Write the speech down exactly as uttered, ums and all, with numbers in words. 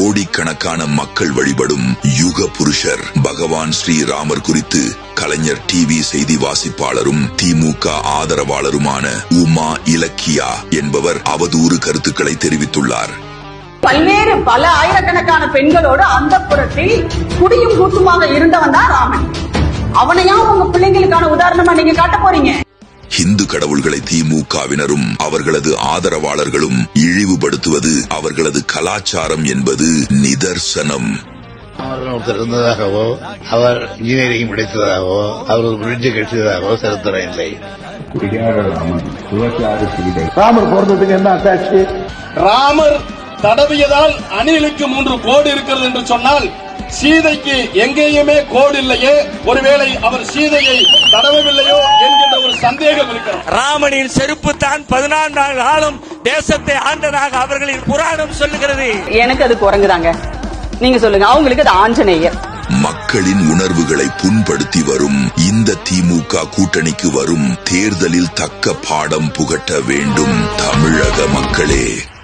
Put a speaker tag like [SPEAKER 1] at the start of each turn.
[SPEAKER 1] கோடிக்கணக்கான மக்கள் வழிபடும் யுக புருஷர் பகவான் ஸ்ரீராமர் குறித்து கலைஞர் டிவி செய்தி வாசிப்பாளரும் திமுக ஆதரவாளருமான உமா இலக்கியா என்பவர் அவதூறு கருத்துக்களை தெரிவித்துள்ளார்.
[SPEAKER 2] பல்வேறு பல ஆயிரக்கணக்கான பெண்களோடு அந்த புறத்தில் குடியும் கூட்டுமாக இருந்தவன் தான் ராமன். அவனையா உங்க பிள்ளைங்களுக்கான உதாரணமா நீங்க காட்ட போறீங்க?
[SPEAKER 1] இந்து கடவுள்களை திமுகவினரும் அவர்களது ஆதரவாளர்களும் இழிவுபடுத்துவது அவர்களது கலாச்சாரம் என்பது நிதர்சனம்.
[SPEAKER 3] அவர்கள் ஒருத்தர் இருந்ததாகவோ அவர் இன்ஜினியரிங் படித்ததாகவோ அவர்கள் பிரிட்ஜ் கட்டியதாகவோ சரித்திரம் இல்லை.
[SPEAKER 4] ராமர் போறதுக்கு என்ன அட்டாச்சு?
[SPEAKER 5] ராமர் தடவியதால் அணிலுக்கு மூன்று கோடு இருக்கிறது என்று சொன்னால் சீதைக்கு எங்கேயுமே கோடு இல்லையே, ஒருவேளை அவர் சீதையை தடவவில்லையோ என்கின்ற ஒரு சந்தேகம் இருக்கிறது.
[SPEAKER 6] ராமனின் செருப்பு தான் பதினான்கு காலம் தேசத்தை ஆண்டதாக அவர்களின் புராணம் சொல்லுகிறது.
[SPEAKER 2] எனக்கு அது குரங்குதாங்க, நீங்க சொல்லுங்க. அவங்களுக்கு அது ஆஞ்சநேயர்.
[SPEAKER 1] மக்களின் உணர்வுகளை புண்படுத்தி வரும் இந்த திமுக கூட்டணிக்கு வரும் தேர்தலில் தக்க பாடம் புகட்ட வேண்டும் தமிழக மக்களே.